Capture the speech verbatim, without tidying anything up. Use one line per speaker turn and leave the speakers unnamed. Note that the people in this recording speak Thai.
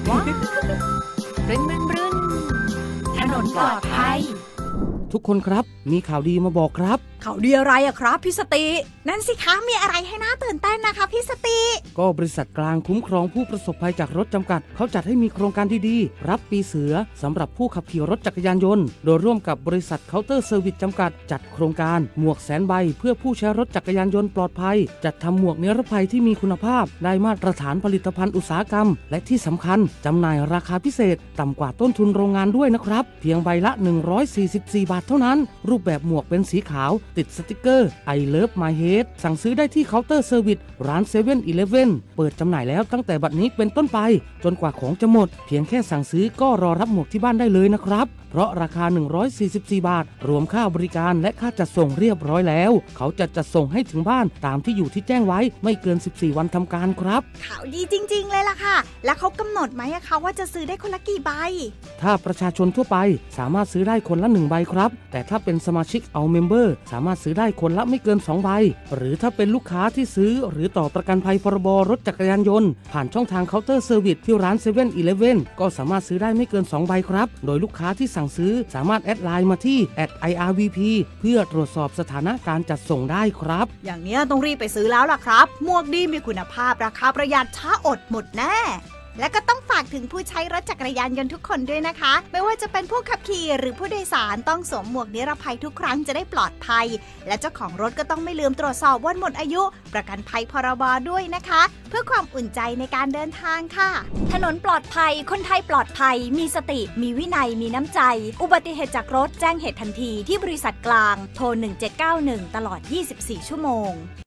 ว้าวบรึนบรึนบรึนถนนปลอดภัย
ทุกคนครับมีข่าวดีมาบอกครับ
ข่าวดีอะไรอะครับพี่สตินั่นสิคะมีอะไรให้น่าตื่นเต้นนะคะพี่สติ
ก็บริษัทกลางคุ้มครองผู้ประสบภัยจากรถจำกัดเขาจัดให้มีโครงการดีๆรับปีเสือสำหรับผู้ขับขี่รถจักรยานยนต์โดยร่วมกับบริษัทเคาน์เตอร์เซอร์วิสจำกัดจัดโครงการหมวกแสนใบเพื่อผู้ใช้รถจักรยานยนต์ปลอดภัยจัดทำหมวกนิรภัยที่มีคุณภาพได้มาตรฐานผลิตภัณฑ์อุตสาหกรรมและที่สำคัญจำหน่ายราคาพิเศษต่ำกว่าต้นทุนโรงงานด้วยนะครับเพียงใบละหนึ่งร้อยสี่สิบสี่บาทเท่านั้นรูปแบบหมวกเป็นสีขาวติดสติกเกอร์ I Love My Head สั่งซื้อได้ที่เคาน์เตอร์เซอร์วิสร้าน เซเว่น อีเลฟเว่น เปิดจำหน่ายแล้วตั้งแต่บัดนี้เป็นต้นไปจนกว่าของจะหมดเพียงแค่สั่งซื้อก็รอรับหมวกที่บ้านได้เลยนะครับเพราะราคาหนึ่งร้อยสี่สิบสี่บาทรวมค่าบริการและค่าจัดส่งเรียบร้อยแล้วเขาจะจัดส่งให้ถึงบ้านตามที่อยู่ที่แจ้งไว้ไม่เกินสิบสี่วันทำการครับ
ข่าวดีจริงๆเลยล่ะค่ะแล้วเขากำหนดไหมอะคะว่าจะซื้อได้คนละกี่ใบ
ถ้าประชาชนทั่วไปสามารถซื้อได้คนละหนึ่งใบครับแต่ถ้าเป็นสมาชิกเอาเมมเบอร์สามารถซื้อได้คนละไม่เกินสองใบหรือถ้าเป็นลูกค้าที่ซื้อหรือต่อประกันภัยพรบรถจักรยานยนต์ผ่านช่องทางเคาน์เตอร์เซอร์วิสที่ร้าน เซเว่น อีเลฟเว่น ก็สามารถซื้อได้ไม่เกินสองใบครับโดยลูกค้าที่สั่งซื้อสามารถแอดไลน์มาที่ แอท ไอ อาร์ วี พี เพื่อตรวจสอบสถานะการจัดส่งได้ครับ
อย่างนี้ต้องรีบไปซื้อแล้วล่ะครับหมวกดีมีคุณภาพราคาประหยัดช้าอดหมดแน่และก็ต้องฝากถึงผู้ใช้รถจักรยานยนต์ทุกคนด้วยนะคะไม่ว่าจะเป็นผู้ขับขี่หรือผู้โดยสารต้องสวมหมวกนิรภัยทุกครั้งจะได้ปลอดภัยและเจ้าของรถก็ต้องไม่ลืมตรวจสอบวันหมดอายุประกันภัยพรบด้วยนะคะเพื่อความอุ่นใจในการเดินทางค่ะถนนปลอดภัยคนไทยปลอดภัยมีสติมีวินัยมีน้ำใจอุบัติเหตุจากรถแจ้งเหตุทันทีที่บริษัทกลางโทรหนึ่งเจ็ดเก้าหนึ่งตลอดยี่สิบสี่ชั่วโมง